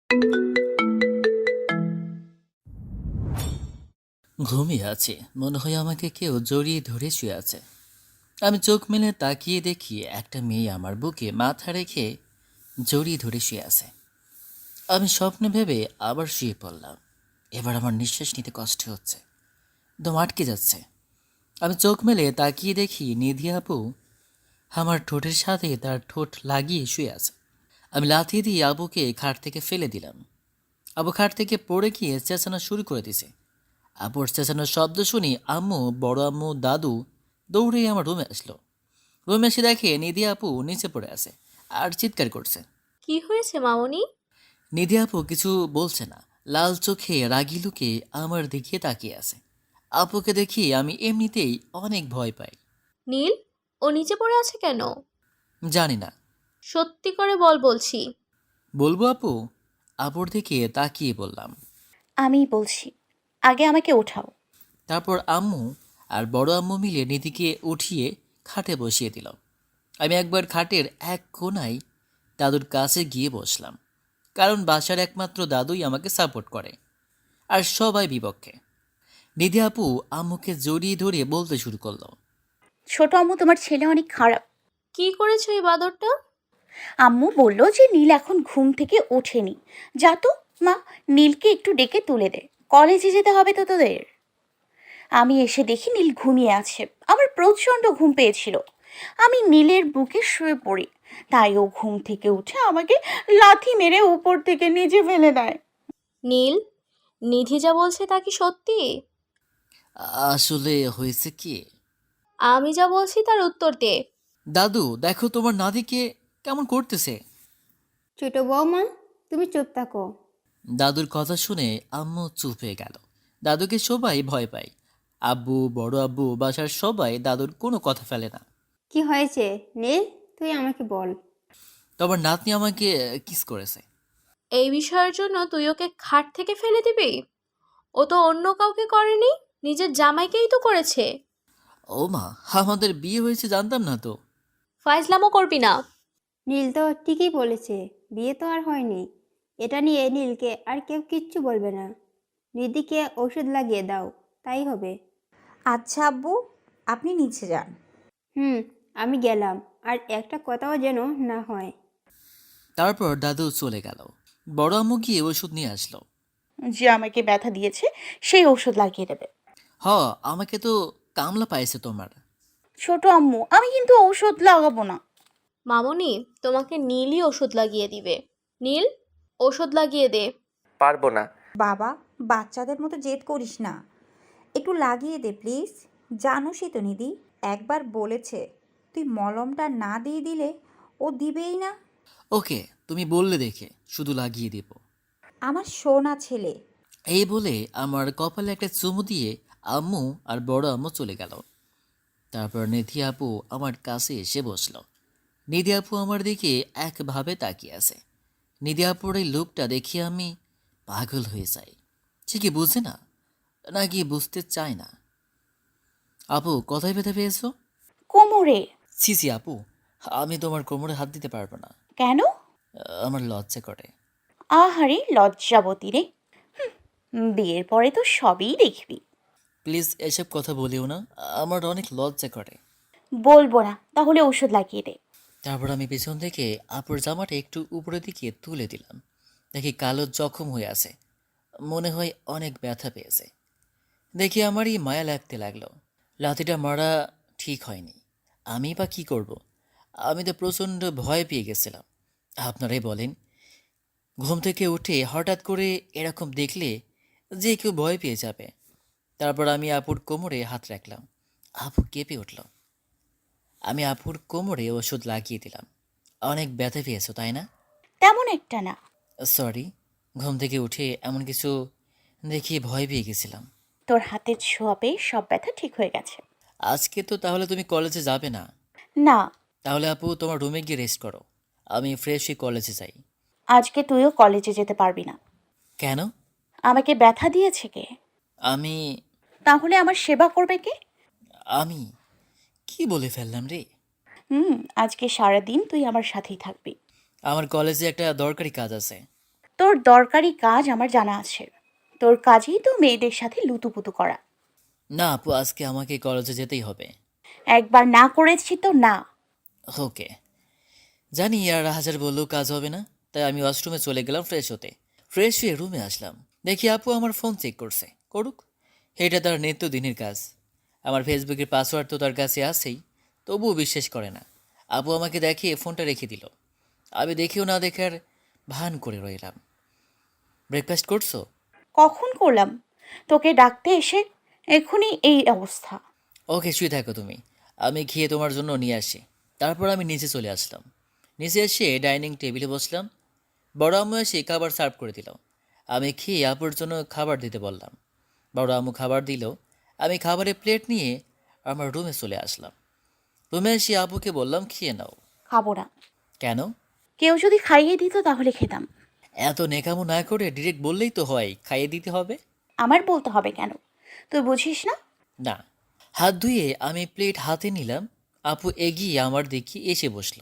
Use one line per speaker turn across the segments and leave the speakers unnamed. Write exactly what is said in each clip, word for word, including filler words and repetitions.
ঘুমিয়ে আছি, মনে হয় আমাকে কেউ জড়িয়ে ধরে শুয়ে আছে। আমি চোখ মেলে তাকিয়ে দেখি একটা মেয়ে আমার বুকে মাথা রেখে জড়িয়ে ধরে শুয়ে আছে। আমি স্বপ্নে ভেবে আবার শুয়ে পড়লাম। এবার আমার নিঃশ্বাস নিতে কষ্ট হচ্ছে, দম আটকে যাচ্ছে। আমি চোখ মেলে তাকিয়ে দেখি নিধি আপু আমার ঠোঁটের সাথে তার ঠোঁট লাগিয়ে শুয়ে আছে। আমি লাথি দিয়ে আবুকে খাট থেকে ফেলে দিলাম। আবু খাট থেকে পড়ে গিয়ে চেঁচানো শুরু করে দিছে। আপুর চেঁচানোর শব্দ শুনি আম্মু, বড় আম্মু, দাদু দৌড়ে আমার রুমে আসলো। রুমে এসে দেখে নিধি আপু নিচে পড়ে আছে আর চিৎকার করছে।
কি হয়েছে মামনি?
নিধি আপু কিছু বলছে না, লাল চোখে রাগি লুকে আমার দিকে তাকিয়ে আছে। আপুকে দেখি আমি এমনিতেই অনেক ভয় পাই।
নীল, ও নিচে পড়ে আছে কেন?
জানি না।
সত্যি করে বল বলছি।
বলবো আপু? আপুর দিকে তাকিয়ে বললাম।
আমিই বলছি, আগে আমাকে ওঠাও।
তারপর আম্মু আর বড় আম্মু মিলে নিধিকে উঠিয়ে খাটে বসিয়ে দিল। আমি একবার খাটের এক কোণায় দাদুর কাছে গিয়ে বসলাম, কারণ বাসার একমাত্র দাদুই আমাকে সাপোর্ট করে, আর সবাই বিপক্ষে। নিধি আপু আম্মুকে জড়িয়ে ধরে বলতে শুরু করলো।
ছোট আম্মু, তোমার ছেলে অনেক খারাপ।
কি করেছো এই বাদরটা?
আম্মু বলল যে নীল এখন ঘুম থেকে ওঠেনি। যা তো মা, নীলকে একটু ডেকে তুলে দে, কলেজে যেতে হবে তো তোদের। আমি এসে দেখি নীল ঘুমিয়ে আছে। আমার প্রচণ্ড ঘুম পেয়েছিল। আমি নীলের বুকে শুয়ে পড়ি। তাই ও ঘুম থেকে উঠে আমাকে লাথি মেরে উপর থেকে নিচে ফেলে দেয়।
নীল, নিধি যা বলছে তা কি সত্যি?
আসলে হয়েছে কি,
আমি যা বলছি তার উত্তর দে।
দাদু দেখো তোমার নাতিকে কেমন করতেছে।
ছোট বৌমা, তুমি চুপ থাকো।
দাদুর কথা শুনে আম্মু চুপ হয়ে গেল। দাদুকে সবাই ভয় পায়। আব্বু, বড় আব্বু, বাসার সবাই দাদুর কোনো কথা ফেলে না।
কি হয়েছে নীল? তুই আমাকে বল।
তোমার নাতনি আমাকে কিস করেছে।
এই বিষয়ের জন্য তুই ওকে খাট থেকে ফেলে দিবি? ও তো অন্য কাউকে করেনি, নিজের জামাইকেই তো করেছে।
ও মা, আমাদের বিয়ে হয়েছে জানতাম না তো।
ফাইজলামও করবি না।
নীল তো ঠিকই বলেছে, বিয়ে তো আর হয়নি। এটা নিয়ে নীলকে আর কেউ কিচ্ছু বলবে না। নিধিকে ওষুধ লাগিয়ে দাও, তাই হবে।
আচ্ছা আব্বু, আপনি নিচে যান।
হুম, আমি গেলাম। আর একটা কথাও যেন না হয়।
তারপর দাদু চলে গেল। বড় আম্মু গিয়ে ওষুধ নিয়ে আসলো।
যে আমাকে ব্যথা দিয়েছে সেই ওষুধ লাগিয়ে দেবে।
হ, আমাকে তো কামলা পাইছে তোমার।
ছোট আম্মু, আমি কিন্তু ঔষধ লাগাবো না।
মামনি, তোমাকে নীলই ওষুধ লাগিয়ে দিবে। নীল, ওষুধ লাগিয়ে দে।
পারবো না।
বাবা, বাচ্চাদের মতো জেদ করিস না, একটু লাগিয়ে দে প্লিজ। জানোসই তো নিধি, একবার বলেছে তুই মলমটা না দিয়ে দিলে ও দিবেই না।
ওকে, তুমি বললে দেখে শুধু লাগিয়ে দেব।
আমার সোনা ছেলে।
এই বলে আমার কপালে একটা চুমু দিয়ে আম্মু আর বড় আম্মু চলে গেল। তারপর নিধি আপু আমার কাছে এসে বসলো। নিধি আপু আমার দিকে একভাবে তাকিয়ে আছে। নিধি আপুর এই লোকটা দেখে আমি পাগল হয়ে যাই। সে কি বুঝে না, নাকি বুঝতে চায় না? আপু, কোথায় ব্যথা পেয়েছো?
কোমরে।
ছি ছি আপু, আমি তোমার কোমরে হাত দিতে পারবো না।
কেন?
আমার লজ্জা করে।
আহারে লজ্জাবতী রে। হুম, বিয়ের পরে তো সবই দেখবি।
প্লিজ এসব কথা বলিও না, আমার অনেক লজ্জা করে।
বলবো না, তাহলে ওষুধ লাগিয়ে দে।
তারপর আমি পেছন থেকে আপুর জামাটা একটু উপরের দিকে তুলে দিলাম। দেখি কালো জখম হয়ে আছে, মনে হয় অনেক ব্যথা পেয়েছে। দেখি আমারই মায়া লাগতে লাগলো। লাথিটা মারা ঠিক হয়নি, আমি বা কি করব? আমি তো প্রচণ্ড ভয় পেয়ে গেছিলাম। আপনারাই বলেন, ঘুম থেকে উঠে হঠাৎ করে এরকম দেখলে যে কেউ ভয় পেয়ে যাবে। তারপর আমি আপুর কোমরে হাত রাখলাম। আপু কেঁপে উঠল। আমি আপুর কোমরে ওষুধ লাগিয়ে দিলাম। অনেক ব্যথা পেয়েছো তাই না?
তেমন একটা না।
সরি, ঘুম থেকে উঠে এমন কিছু দেখে ভয় পেয়ে গেছিলাম।
তোর হাতের ছোঁয়া পেয়ে সব ব্যথা ঠিক হয়ে গেছে।
আজকে তো তাহলে তুমি কলেজে যাবে না?
না।
তাহলে আপু তোমার রুমে গিয়ে রেস্ট করো, আমি ফ্রেশ হয়ে কলেজে যাই।
আজকে তুইও কলেজে যেতে পারবি না।
কেন?
আমাকে ব্যথা দিয়েছে কে?
আমি
তাহলে আমার সেবা করবে কে?
আমি কি বলে ফেললাম রে?
হুম, আজকে সারাদিন তুই আমার সাথেই থাকবি।
আমার কলেজে একটা দরকারি কাজ আছে।
তোর দরকারি কাজ আমার জানা আছে। তোর কাজেই তো মেয়েদের সাথে লুতুপুতু করা।
না আপু, আজকে আমাকে কলেজে যেতেই হবে।
একবার না করেছি তো না।
ওকে, জানি আর হাজার বললেও কাজ হবে না, তাই আমি ওয়াশরুমে চলে গেলাম ফ্রেশ হতে। ফ্রেশ হয়ে রুমে আসলাম, দেখি আপু আমার ফোন চেক করছে। করুক, এটা তার নিত্যদিনের কাজ। আমার ফেসবুকের পাসওয়ার্ড তো তার কাছে আছেই, তবুও বিশ্বাস করে না। আপু আমাকে দেখিয়ে ফোনটা রেখে দিল। আমি দেখেও না দেখার ভান করে রইলাম। ব্রেকফাস্ট করছো?
কখন করলাম? তোকে ডাকতে এসে এখনই এই অবস্থা।
ওকে, শুয়ে থাকো তুমি, আমি খেয়ে তোমার জন্য নিয়ে আসি। তারপর আমি নিচে চলে আসলাম। নিচে এসে ডাইনিং টেবিলে বসলাম। বড় আম্মু এসে খাবার সার্ভ করে দিল। আমি খেয়ে আপুর জন্য খাবার দিতে বললাম। বড় আম্মু খাবার দিল। আমি খাবারের প্লেট নিয়ে আমার রুমে চলে আসলাম। রুমে এসে আপুকে বললাম, খেয়ে নাও।
খাবো না।
কেন?
কেউ যদি খাইয়ে দিত তাহলে খেতাম।
এত নেকামো না করে ডিরেক্ট বললেই তো হয় খাইয়ে দিতে হবে।
আমার বলতে হবে কেন? তুই বুঝিস না?
না। হাত ধুয়ে আমি প্লেট হাতে নিলাম। আপু এগিয়ে আমার দিকে এসে বসলো।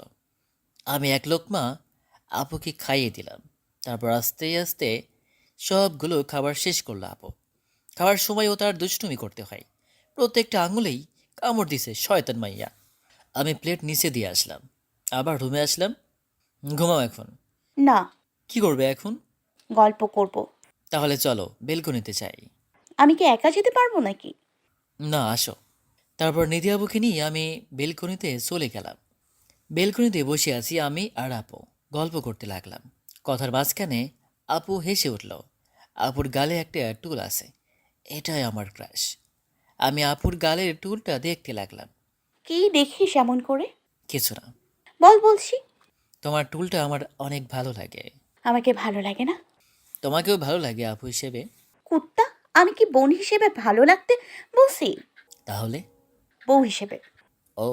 আমি এক লোকমা আপুকে খাইয়ে দিলাম। তারপর আস্তে আস্তে সবগুলো খাবার শেষ করলো আপু। খাওয়ার সময়ও তার দুষ্টুমি করতে হয়, প্রত্যেকটা আঙুলেই কামড় দিছে শয়তান মাইয়া। আমি প্লেট নিচে দিয়ে আসলাম, আবার রুমে আসলাম। ঘুমাও এখন।
না।
কি করবে এখন?
গল্প করব।
তাহলে চলো, বেলকনিতে চাই।
আমি কি একা যেতে পারবো নাকি?
না, আসো। তারপর নিধি আবুকে নিয়ে আমি বেলকনিতে চলে গেলাম। বেলকনিতে বসে আছি আমি আর আপু, গল্প করতে লাগলাম। কথার মাঝখানে আপু হেসে উঠল। আপুর গালে একটা টুল আছে, এটাই আমার ক্রাশ। আমি আপুর গালের টুলটা দেখতে লাগলাম।
কি দেখিস এমন করে?
কিছু না।
বল বলছি।
তোমার টুলটা আমার অনেক ভালো লাগে।
আমাকে ভালো লাগে না?
তোমাকেও ভালো লাগে আপু হিসেবে।
কুত্তা, আমি কি বোন হিসেবে ভালো লাগতে বলছি?
তাহলে?
বউ হিসেবে।
ও।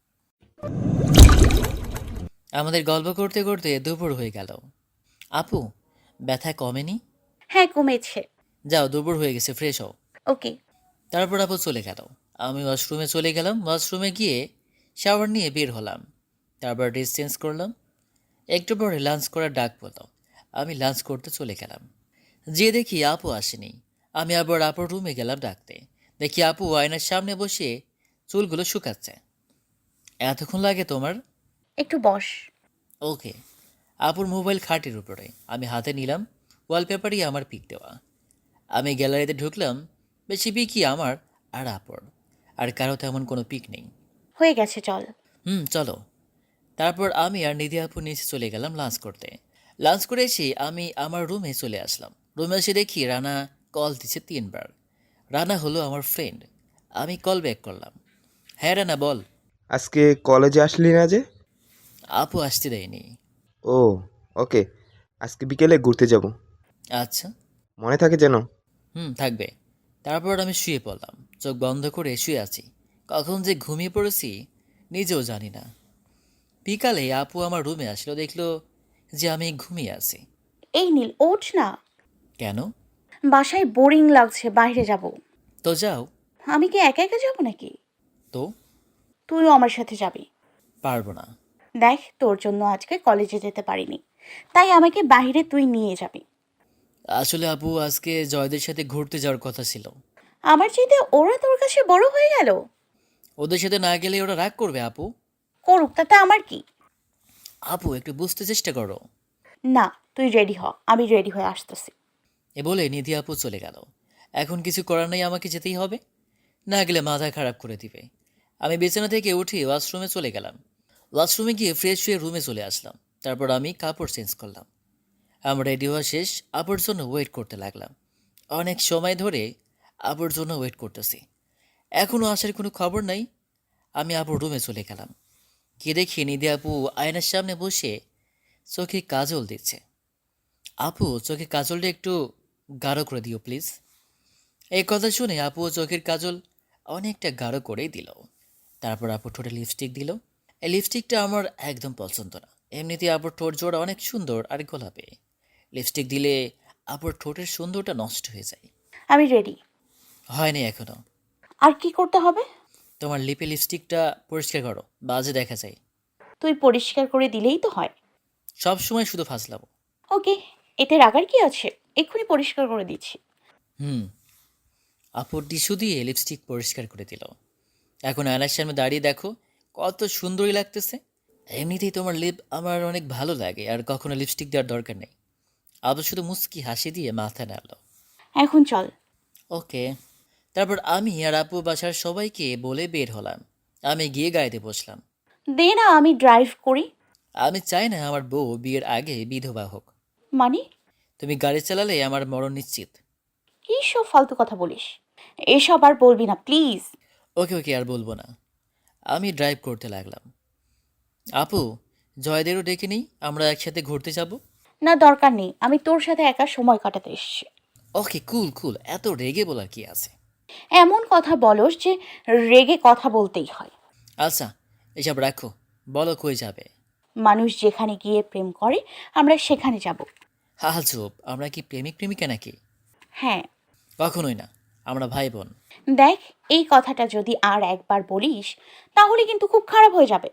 আমাদের গল্প করতে করতে দুপুর হয়ে গেল। আপু, ব্যথা কমেনি?
হ্যাঁ, কমেছে।
যাও, দুপুর হয়ে গেছে, ফ্রেশ হও।
ওকে।
তারপর আপু চলে গেল। আমি ওয়াশরুমে চলে গেলাম। ওয়াশরুমে গিয়ে শাওয়ার নিয়ে বের হলাম। তারপর ড্রেস চেঞ্জ করলাম। একটু পরে লাঞ্চ করার ডাক পড়ল। আমি লাঞ্চ করতে চলে গেলাম। যে দেখি আপু আসেনি। আমি আবার আপুর রুমে গেলাম ডাকতে। দেখি আপু আয়নার সামনে বসে চুলগুলো শুকাচ্ছে। এতক্ষণ লাগে তোমার?
একটু বস।
ওকে। আপুর মোবাইল খাটের উপরে, আমি হাতে নিলাম। ওয়ালপেপারই আমার পিক দেওয়া। আমি গ্যালারিতে ঢুকলাম। বেশি পিকই আমার আর আপুর, আর কারো তেমন কোনো পিক নেই।
হয়ে গেছে, চল।
হুম, চলো। তারপর আমি আর নিধি আপু নিচে চলে গেলাম লাঞ্চ করতে। লাঞ্চ করে এসে আমি আমার রুমে চলে আসলাম। রুমে এসে দেখি রানা কল দিচ্ছে তিনবার। রানা হলো আমার ফ্রেন্ড। আমি কল ব্যাক করলাম। হ্যাঁ রানা, বল।
আজকে কলেজে আসলি না যে?
আপু আসতে দেয়নি।
ও, ওকে। আজকে বিকেলে ঘুরতে যাব,
আচ্ছা।
মনে থাকে যেন।
হুম, থাকবে। তারপর আমি শুয়ে পড়লাম। চোখ বন্ধ করে শুয়ে আছি। কখন যে ঘুমিয়ে পড়েছি নিজেও জানি না। বিকালে আপু আমার রুমে আসলো, দেখলো যে আমি ঘুমিয়ে আছি।
এই নীল, ওঠ না।
কেন?
বাসায় বোরিং লাগছে, বাইরে যাব।
তো যাও।
আমি কি একা একা যাব নাকি?
তো?
তুইও আমার সাথে যাবি।
পারবো না।
দেখ, তোর জন্য আজকে কলেজে যেতে পারিনি, তাই আমাকে বাইরে তুই নিয়ে যাবি।
আসলে আপু আজকে জয়দের সাথে ঘুরতে যাওয়ার কথা ছিল।
আমার চাইতে ওরা তোর কাছে বড় হয়ে গেল।
ওদের সাথে না গেলে ওরা রাগ করবে আপু।
করুক, তাতে আমার কি?
আপু একটু বুঝতে চেষ্টা করো।
না, তুই রেডি হ, আমি রেডি হয়ে আসতেছি।
এ বলে নিধি আপু চলে গেল। এখন কিছু করার নেই, আমাকে যেতেই হবে। না গেলে মাথা খারাপ করে দিবে। আমি বিছানা থেকে উঠে ওয়াশরুমে চলে গেলাম। ওয়াশরুমে গিয়ে ফ্রেশ হয়ে রুমে চলে আসলাম। তারপর আমি কাপড় চেঞ্জ করলাম। আমার রেডি হওয়া শেষ। আপুর জন্য ওয়েট করতে লাগলাম। অনেক সময় ধরে আপুর জন্য ওয়েট করতেছি, এখনও আসার কোনো খবর নাই। আমি আপুর রুমে চলে গেলাম। গিয়ে দেখি নিধি আপু আয়নার সামনে বসে চোখে কাজল দিচ্ছে। আপু, চোখে কাজলটা একটু গাঢ় করে দিও প্লিজ। এই কথা শুনে আপু চোখের কাজল অনেকটা গাঢ় করেই দিল। তারপর আপু ঠোঁটে লিপস্টিক দিল। এই লিপস্টিকটা আমার একদম পছন্দ না। এমনিতে আপুর ঠোঁট জোড়া অনেক সুন্দর আর গোলাপি। লিপস্টিক দিলে আপুর ঠোঁটের সুন্দরটা নষ্ট হয়ে যায়।
আমি রেডি।
হয়নি এখনো।
আর কি করতে হবে?
তোমার লিপে লিপস্টিকটা পরিষ্কার করো, বাজে দেখা যায়।
তুই পরিষ্কার করে দিলেই তো হয়।
সব সময় শুধু ফাজলামো।
ওকে। এতে রাগার কি আছে? এক্ষুনি পরিষ্কার করে দিচ্ছি।
হুম। আপুর টিস্যু দিয়ে লিপস্টিক পরিষ্কার করে দিল। এখন আয়নার সামনে দাঁড়িয়ে দেখো কত সুন্দরই লাগতেছে। এমনিতেই তোমার লিপ আমার অনেক ভালো লাগে, আর কখনো লিপস্টিক দেওয়ার দরকার নেই। আবু শুধু মুস্কি হাসি দিয়ে মাথা নাড়ল।
এখন চল।
ওকে। তারপর আমি আর আপু বাসার সবাইকে বলে বের হলাম। আমি গিয়ে গাড়িতে বসলাম।
দে না, আমি ড্রাইভ করি।
আমি চাই না আমার বউ বিয়ের আগে বিধবা হোক।
মানে?
তুমি গাড়ি চালালে আমার মরণ নিশ্চিত।
কী সব ফালতু কথা বলিস? এসব আর বলবি না প্লিজ।
ওকে ওকে, আর বলবো না। আমি ড্রাইভ করতে লাগলাম। আপু, জয়দেরও ডেকে নিই, আমরা একসাথে ঘুরতে যাব।
না, দরকার নেই, আমি তোর সাথে একা সময় কাটাতে এসেছি।
ওকে, কুল কুল, এত রেগে বলার কি আছে?
এমন কথা বলস যে রেগে কথা বলতেই হয়।
আচ্ছা, এসব রাখো, বলো কই যাবে।
মানুষ যেখানে গিয়ে প্রেম করে আমরা সেখানে যাব।
হা হা চুপ, আমরা কি প্রেমিক প্রেমিকা নাকি?
হ্যাঁ।
কখনোই না, আমরা ভাই বোন।
দেখ, এই কথাটা যদি আর একবার বলিস তাহলে কিন্তু খুব খারাপ হয়ে যাবে।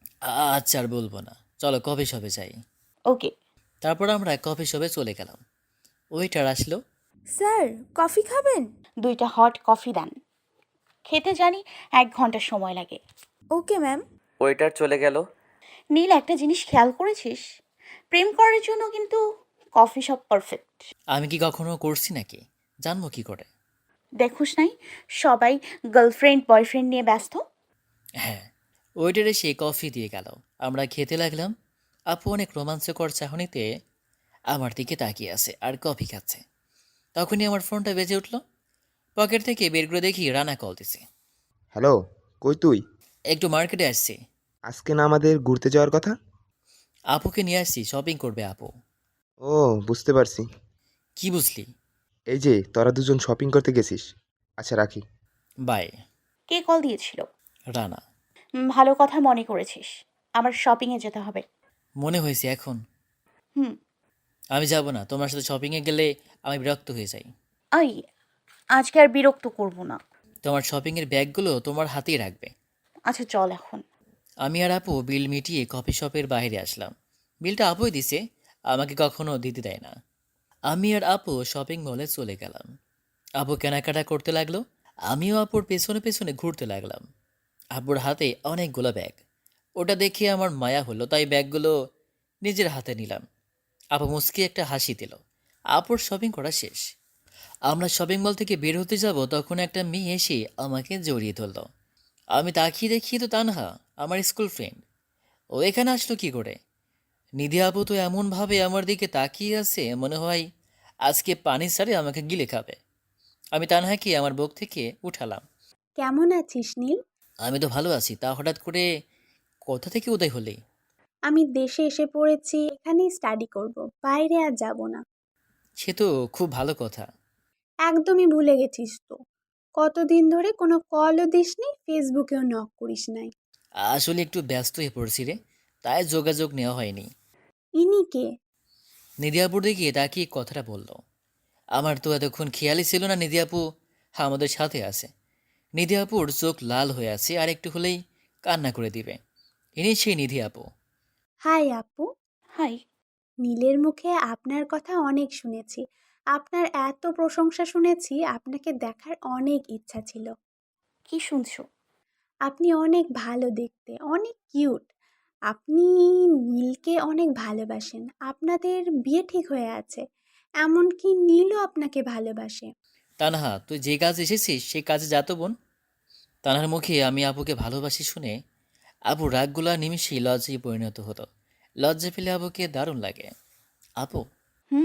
আ- আচ্ছা, আর বলবো না, চলো কফি শপে যাই।
ওকে।
তারপর আমরা কফি শপে চলে গেলাম। ওয়েটার আসলো।
স্যার, কফি খাবেন?
দুইটা হট কফি দেন। খেতে জানি এক ঘন্টা সময় লাগে।
Okay ma'am.
ওয়েটার চলে গেল।
নীল, একটা জিনিস খেয়াল করেছিস? প্রেম করার জন্য কিন্তু কফি শপ পারফেক্ট।
আমি কি কখনো করছি নাকি? জানবো কি করে?
দেখুস নাই, সবাই গার্লফ্রেন্ড বয়ফ্রেন্ড নিয়ে ব্যস্ত।
হ্যাঁ। ওয়েটার এসে কফি দিয়ে গেল। আমরা খেতে লাগলাম। আপু অনেক রোমাঞ্চকর চাহনিতে আমার দিকে তাকিয়ে আছে আর কফি খাচ্ছে। তখনই আমার ফোনটা বেজে উঠল। পকেট থেকে বের করে দেখি রানা কল দিছে।
হ্যালো, কই তুই?
একটু মার্কেটে আসছি।
আজকে না আমাদের ঘুরতে যাওয়ার কথা?
আপুকে নিয়ে আসছি, শপিং করবে আপু।
ও, বুঝতে পারছি।
কি বুঝলি?
এই যে তোরা দুজন শপিং করতে গেছিস। আচ্ছা, রাখি।
বাই।
কে কল দিয়েছিল?
রানা।
হুম, ভালো কথা মনে করেছিস। আমার শপিংয়ে যেতে হবে।
মনে হয়েছে এখন?
হুম।
আমি যাব না, তোমার সাথে শপিংয়ে গেলে আমি বিরক্ত হয়ে যাই।
আই, আজকে আর বিরক্ত করব না।
তোমার শপিংয়ের ব্যাগগুলো তোমার হাতেই রাখবে।
আচ্ছা চল এখন।
আমি আর আপু বিল মিটিয়ে কফি শপের বাইরে আসলাম। বিলটা আপুই দিছে, আমাকে কখনো দিতে দেয় না। আমি আর আপু শপিং মলে চলে গেলাম। আপু কেনাকাটা করতে লাগলো। আমিও আপুর পেছনে পেছনে ঘুরতে লাগলাম। আপুর হাতে অনেকগুলো ব্যাগ। ওটা দেখে আমার মায়া হলো, তাই ব্যাগগুলো নিজের হাতে নিলাম। আপু মুচকি একটা হাসি দিল। আপুর শপিং করা শেষ। আমরা শপিং মল থেকে বের হতে যাব, তখন একটা মেয়ে এসে আমাকে জড়িয়ে ধরল। আমি তাকিয়ে দেখি তো তানহা, আমার স্কুল ফ্রেন্ড। ও এখানে আসলো কি করে? নিধি আপু তো এমনভাবে আমার দিকে তাকিয়ে আছে, মনে হয় আজকে পানি ছাড়ে আমাকে গিলে খাবে। আমি তানহাকে আমার বুক থেকে উঠালাম।
কেমন আছিস নীল?
আমি তো ভালো আছি, তা হঠাৎ করে কোথা থেকে উদয় হলি?
আমি দেশে এসে পড়েছি, এখানেই স্টাডি করব, বাইরে আর যাব না।
সে তো খুব ভালো কথা।
একদমই ভুলে গেছিস তো? কতদিন ধরে কোনো কলও দিসনি, ফেসবুকেও নক করিস নাই।
আসলে একটু ব্যস্ত হয়ে পড়ছি রে, তাই যোগাযোগ নেওয়া হয়নি।
ইনি কে?
নিধি আপুর দিকে তাকিয়ে কথাটা বলল। আমার তো এতক্ষণ খেয়ালই ছিল না নিধি আপু আমাদের সাথে আছে। নিধি আপুর চোখ লাল হয়ে আছে, আর একটু হলেই কান্না করে দিবে। ইনি সেই নিধি আপু।
হাই আপু।
হাই।
নীলের মুখে আপনার কথা অনেক শুনেছি। আপনার এত প্রশংসা শুনেছি, আপনাকে দেখার অনেক ইচ্ছা ছিল।
কি শুনছো?
আপনি অনেক ভালো দেখতে, অনেক কিউট। আপনি নীলকে অনেক ভালোবাসেন, আপনাদের বিয়ে ঠিক হয়ে আছে। এমনকি নীলও আপনাকে ভালোবাসে।
তানহা, তুই যে কাজ এসেছিস সেই কাজে যা তো বোন। তানহার মুখে আমি আপুকে ভালোবাসি শুনে আপু রাগগুলা নিমিশেই লজ্জায় পরিণত হতো। লজ্জা পেলে আপুকে দারুণ লাগে। আপু,
হুম।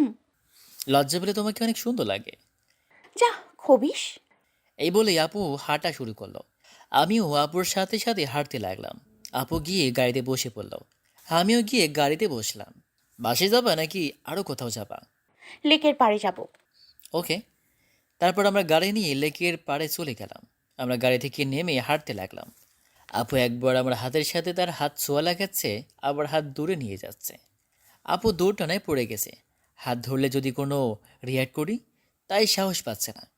লজ্জা পেলে তোমাকে অনেক সুন্দর লাগে।
যা, খবিস।
এই বলেই আপু হাঁটা শুরু করলো। আমিও আপুর সাথে সাথে হাঁটতে লাগলাম। আপু গিয়ে গাড়িতে বসে পড়ল। আমিও গিয়ে গাড়িতে বসলাম। বাসে যাবা নাকি আরও কোথাও যাবা?
লেকের পাড়ে যাব।
ওকে। তারপর আমরা গাড়ি নিয়ে লেকের পাড়ে চলে গেলাম। আমরা গাড়ি থেকে নেমে হাঁটতে লাগলাম। আপু একবার আমার হাতের সাথে তার হাত ছোঁয়া লাগাচ্ছে, আবার হাত দূরে নিয়ে যাচ্ছে। আপু দৌড়টানায় পড়ে গেছে। হাত ধরলে যদি কোনো রিয়াক্ট করি, তাই সাহস পাচ্ছে না।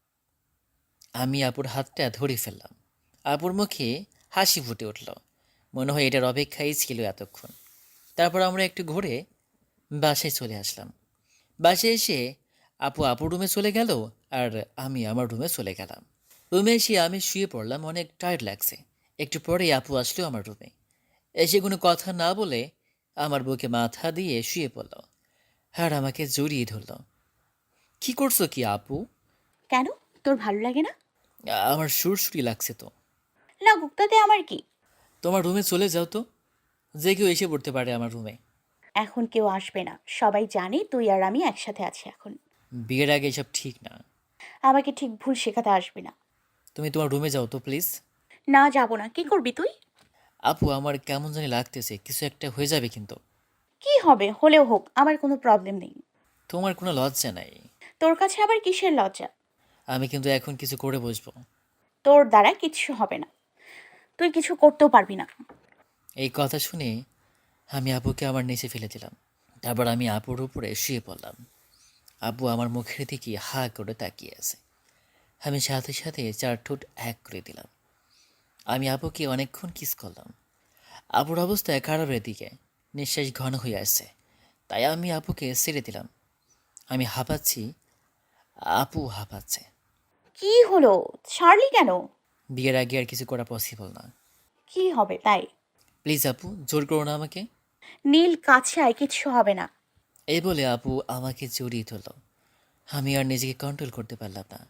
আমি আপুর হাতটা ধরে ফেললাম। আপুর মুখে হাসি ফুটে উঠল। মনে হয় এটার অপেক্ষাই ছিল এতক্ষণ। তারপর আমরা একটু ঘুরে বাসায় চলে আসলাম। বাসায় এসে আপু আপুর রুমে চলে গেল আর আমি আমার রুমে চলে গেলাম। রুমে এসে আমি শুয়ে পড়লাম, অনেক টায়ার্ড লাগছে। একটু পরেই আপু আসলো আমার রুমে। এসে কোনো কথা না বলে আমার বুকে মাথা দিয়ে শুয়ে পড়ল আর আমাকে জড়িয়ে ধরল। কি করছো কি আপু?
কেন, তোর ভালো লাগে না?
আমার সুরসুরি লাগছে তো।
লাগুক, তাতে আমার কি?
তোমার রুমে চলে যাও তো, যে কেউ এসে পড়তে পারে আমার রুমে।
এখন কেউ আসবে না, সবাই জানে তুই আর আমি একসাথে আছি এখন।
বিয়ের আগে এসব ঠিক না।
আমাকে ঠিক ভুল শেখাতে আসবি না।
তুমি তোমার রুমে যাও তো প্লিজ।
না, যাব না। কি করবি তুই?
আপু আমার কেমন জানি লাগতেছে, কিছু একটা হয়ে যাবে কিন্তু।
কি হবে, হলেও হোক, আমার কোনো প্রবলেম নেই।
তোমার কোনো লজ্জা নাই?
তোর কাছে আবার কিসের লজ্জা?
আমি কিন্তু এখন কিছু করে বসবো।
তোর দ্বারা কিচ্ছু হবে না, তুই কিছু করতেও পারবি না।
এই কথা শুনে আমি আপুকে আমার নিচে ফেলে দিলাম। তারপর আমি আপুর উপরে শুয়ে পড়লাম। আপু আমার মুখের দিকে হা করে তাকিয়ে আছে। আমি সাথে সাথে চার ঠোঁট এক করে দিলাম। আমি আপুকে অনেকক্ষণ কিস করলাম। আপুর অবস্থা খারাপের দিকে, নিঃশ্বাস ঘন হয়ে আসছে। তাই আমি আপুকে ছেড়ে দিলাম। আমি হাঁপাচ্ছি, আপু হাঁপাচ্ছে।
কি হলো, ছাড়লি কেন?
বিয়ের আগে আর কিছু করা পসিবল না।
কি হবে তাই?
প্লিজ আপু, জোর করো না আমাকে।
নীল, কাছে আয়, কিচ্ছু হবে না।
এই বলে আপু আমাকে জড়িয়ে ধরল। আমি আর নিজেকে কন্ট্রোল করতে পারলাম না।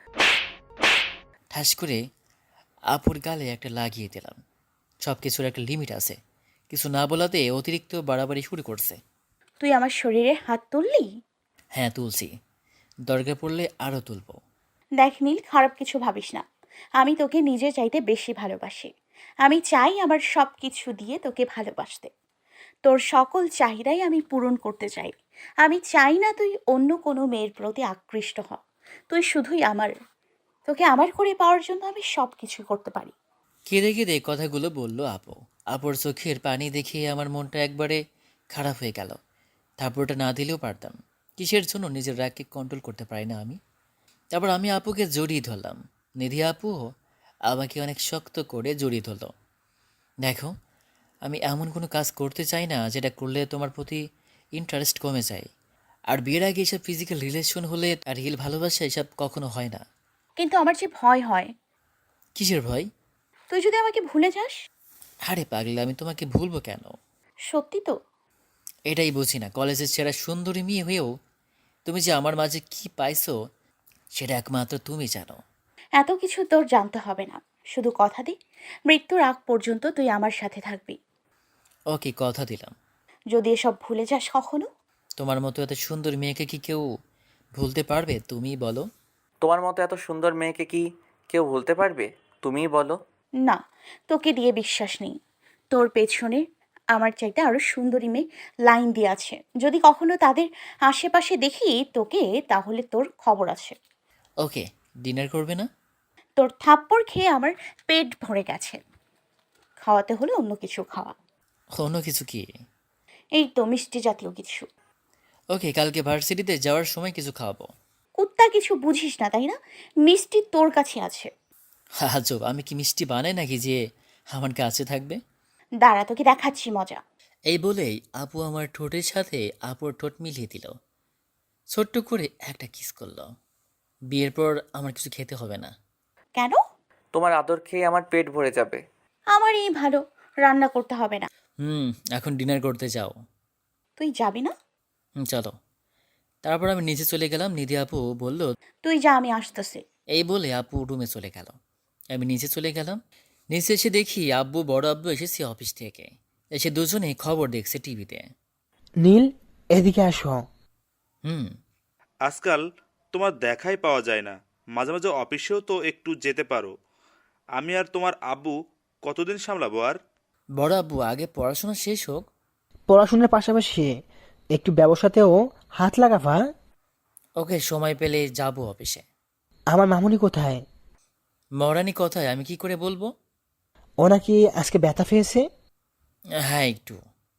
ঠাস করে আপুর গালে একটা লাগিয়ে দিলাম। সব কিছুর একটা লিমিট আছে। কিছু না বলাতে অতিরিক্ত বাড়াবাড়ি শুরু করছে।
তুই আমার শরীরে হাত তুললি?
হ্যাঁ তুলছি, দরকার পড়লে আরও তুলবো।
দেখ নীল, খারাপ কিছু ভাবিস না। আমি তোকে নিজে চাইতে বেশি ভালোবাসি। আমি চাই আমার সব কিছু দিয়ে তোকে ভালোবাসতে। তোর সকল চাহিদাই আমি পূরণ করতে চাই। আমি চাই না তুই অন্য কোনো মেয়ের প্রতি আকৃষ্ট হ। তুই শুধুই আমার। তোকে আমার করে পাওয়ার জন্য আমি সব কিছু করতে পারি।
কেঁদে কেঁদে কথাগুলো বলল আপু। আপুর চোখের পানি দেখে আমার মনটা একবারে খারাপ হয়ে গেল। থাপ্পড়টা না দিলেও পারতাম। কিসের জন্য নিজের রাগকে কন্ট্রোল করতে পারি না আমি। তারপর আমি আপুকে জড়িয়ে ধরলাম। নিধি আপুও আমাকে অনেক শক্ত করে জড়িয়ে ধরল। দেখো, আমি এমন কোনো কাজ করতে চাই না যেটা করলে তোমার প্রতি ইন্টারেস্ট কমে যায়। আর বিয়ের আগে এসব ফিজিক্যাল রিলেশন হলে আর রিয়েল ভালোবাসা এসব কখনো হয় না।
কিন্তু আমার যে ভয় হয়,
কিসের ভয়?
তুই যদি আমাকে ভুলে যাস।
আরে পাগলে, আমি তোমাকে ভুলবো কেন?
সত্যি তো?
এটাই বুঝি না, কলেজের সেরা সুন্দরী মেয়ে হয়েও তুমি যে আমার মাঝে কি পাইছো সেটা একমাত্র তুমি জানো।
এত কিছু তোর জানতে হবে না, শুধু কথা দি, মৃত্যুর আগ পর্যন্ত তুই আমার সাথে থাকবি।
ওকে, কথা দিলাম।
যদি এসব ভুলে যাস কখনো।
তোমার মতো এত সুন্দর মেয়েকে কি কেউ ভুলতে পারবে? তুমিই বলো।
তোমার মতো এত সুন্দর মেয়েকে কি কেউ ভুলতে পারবে? তুমিই বলো।
না, তোকে দিয়ে বিশ্বাস নেই। তোর পেছনে আমার চাইতে আরো সুন্দরী মেয়ে লাইন দিয়ে আছে। যদি কখনো তাদের আশেপাশে দেখি তোকে, তাহলে তোর খবর আছে।
ওকে, ডিনার করবে না?
তোর থাপ্পড় খেয়ে আমার পেট ভরে গেছে। খাওয়াতে হলে অন্য কিছু খাওয়া।
অন্য কিছু কি?
এই তো মিষ্টি জাতীয় কিছু।
ওকে, কালকে ভার্সিটিতে যাওয়ার সময় কিছু খাওয়াবো।
কুত্তা কিছু বুঝিস না তাই না? মিষ্টি তোর কাছে আছে।
আজব, আমি কি মিষ্টি বানাই নাকি যে আমার কাছে থাকবে?
দাঁড়া, তোকে দেখাচ্ছি মজা।
এই বলেই আপু আমার ঠোঁটের সাথে আপুর ঠোঁট মিলিয়ে দিল। ছোট্ট করে একটা কিস করলো। বিয়ের পর আমার কিছু খেতে হবে না।
কেন?
তোমার আদর খেয়ে আমার পেট ভরে যাবে।
আমার এই ভালো, রান্না করতে হবে না।
হুম, এখন ডিনার করতে যাও।
তুই যাবি না?
হুম, চলো। তারপর আমি নিচে চলে গেলাম। নিধি আপু বলল,
তুই যা, আমি আসতেছি।
এই বলে আপু রুমে চলে গেল। আমি নিচে চলে গেলাম। নিচে এসে দেখি আব্বু বড় আব্বু এসেছে অফিস থেকে। এসে দুজনে খবর দেখছে টিভিতে।
নীল, এদিকে আসো।
হুম।
আজকাল তোমার দেখাই পাওয়া যায় না, মাঝে মাঝে অফিসেও তো একটু যেতে পারো। আমি আর তোমার আব্বু কতদিন সামলাবো আর?
বড় আব্বু আগে পড়াশোনা শেষ হোক।
পড়াশোনার পাশাপাশি একটু ব্যবসাতেও হাত লাগাবা।
ওকে, সময় পেলে যাব অফিসে।
আমার মামুনি কোথায়?
মহারানী কথায় আমি কি করে বলবো?
ও নাকি আজকে ব্যথা পেয়েছে।
হ্যাঁ একটু।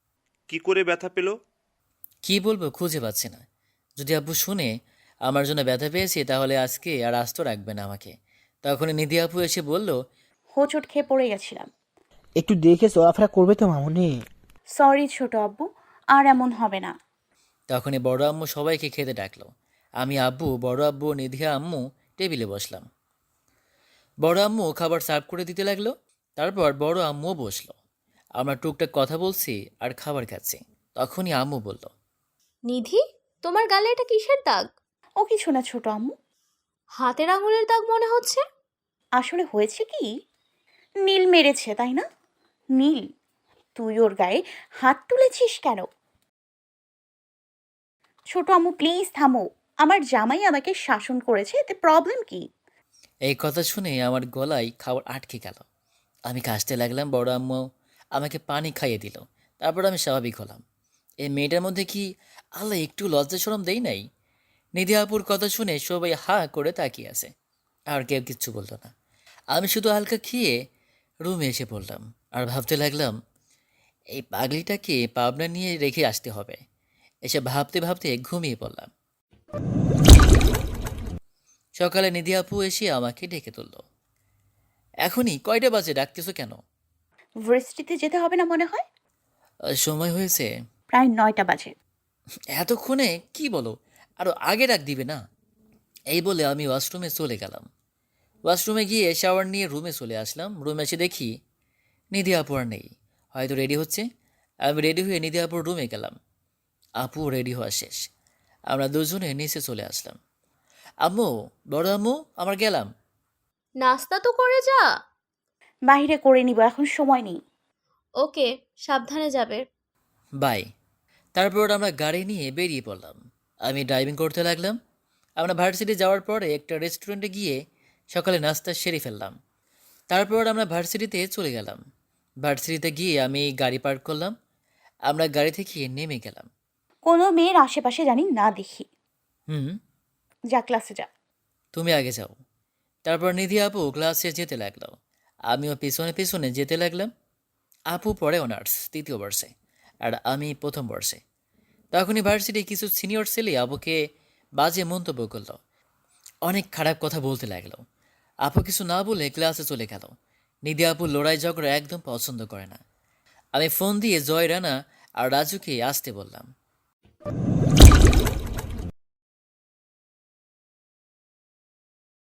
কি করে ব্যথা পেলো?
কি বলবো খুঁজে পাচ্ছি না। যদি আব্বু শুনে আমার জন্য ব্যথা পেয়েছি তাহলে আজকে আর আস্ত রাখবে না আমাকে। তখনই নিধি আপু এসে বলল,
হোঁচট খেয়ে পড়ে গেছিলাম।
একটু দেখে চলাফেরা করবে তো মামুনি।
সরি ছোট আব্বু, আর এমন হবে না।
তখনই বড় আম্মু সবাইকে খেতে ডাকলো। আমি, আব্বু, বড় আব্বু, নিধিয়া আম্মু টেবিলে বসলাম। বড় আম্মু খাবার সার্ভ করে দিতে লাগলো। তারপর বড় আম্মুও বসলো। আমরা টুকটাক কথা বলছি আর খাবার খাচ্ছি। তখনই আম্মু বলল,
নিধি, তোমার গালে এটা কিসের দাগ?
ও কিছু না ছোট আম্মু।
হাতের আঙুলের দাগ মনে হচ্ছে।
আসলে হয়েছে কি, নীল মেরেছে তাই না? নীল, তুই ওর গায়ে হাত তুলেছিস কেন? ছোট আম্মু প্লিজ থামো, আমার জামাই আমাকে শাসন করেছে, এতে প্রবলেম কি?
এই কথা শুনে আমার গলায় খাবার আটকে গেল। আমি কাশতে লাগলাম। বড় আম্মু আমাকে পানি খাইয়ে দিল। তারপর আমি স্বাভাবিক হলাম। এই মেয়েটার মধ্যে কি আল্লাহ একটু লজ্জা শরম দেই নাই? নিধি আপুর কথা শুনে সবাই হা করে তাকিয়ে আছে, আর কেউ কিচ্ছু বললো না। আমি শুধু হালকা খেয়ে রুমে এসে পড়লাম আর ভাবতে লাগলাম, এই পাগলিটাকে পাবনা নিয়ে রেখে আসতে হবে। এসে ভাবতে ভাবতে ঘুমিয়ে পড়লাম। সকালে নিধি আপু এসে আমাকে ডেকে তুলল। এখনই কয়টা বাজে, ডাকতেছো কেন?
ভার্সিটিতে যেতে হবে না মনে হয়?
আহ, সময় হয়েছে।
প্রায় নয়টা বাজে।
এতক্ষণে কি বলো, আরো আগে ডাক দিবে না? এই বলে আমি ওয়াশরুমে চলে গেলাম। ওয়াশরুমে গিয়ে শাওয়ার নিয়ে রুমে চলে আসলাম। রুমে এসে দেখি নিধি আপু আর নেই, হয়তো রেডি হচ্ছে। আমি রেডি হয়ে নিধি আপুর রুমে গেলাম। আপু রেডি হওয়া শেষ। আমরা দুজনে নিচে চলে আসলাম। আম্মু, বড় আম্মু, আমার গেলাম।
নাস্তা তো করে যা।
বাইরে করে নিব, এখন সময় নেই।
ওকে, সাবধানে যাবে।
বাই। তারপর আমরা গাড়ি নিয়ে বেরিয়ে পড়লাম। আমি ড্রাইভিং করতে লাগলাম। আমরা ভার্সিটি যাওয়ার পরে একটা রেস্টুরেন্টে গিয়ে সকালে নাস্তা সেরে ফেললাম। তারপর আমরা ভার্সিটিতে চলে গেলাম। ভার্সিটিতে গিয়ে আমি গাড়ি পার্ক করলাম। আমরা গাড়ি থেকে নেমে গেলাম।
কোনো মেয়ের আশেপাশে জানি না দেখি।
হুম,
যা ক্লাসে যা।
তুমি আগে যাও। তারপর নিধি আপু ক্লাসে যেতে লাগলো। আমিও পিছনে পিছনে যেতে লাগলাম। আপু পড়ে অনার্স তৃতীয় বর্ষে, আর আমি প্রথম বর্ষে। তখনই ভার্সিটি কিছু সিনিয়র ছেলে আপুকে বাজে মন্তব্য করলো, অনেক খারাপ কথা বলতে লাগলো। আপু কিছু না বলে ক্লাসে চলে গেল। নিধি আপু লড়াই ঝগড়া একদম পছন্দ করে না। আমি ফোন দিয়ে জয় রানা আর রাজুকে আসতে বললাম।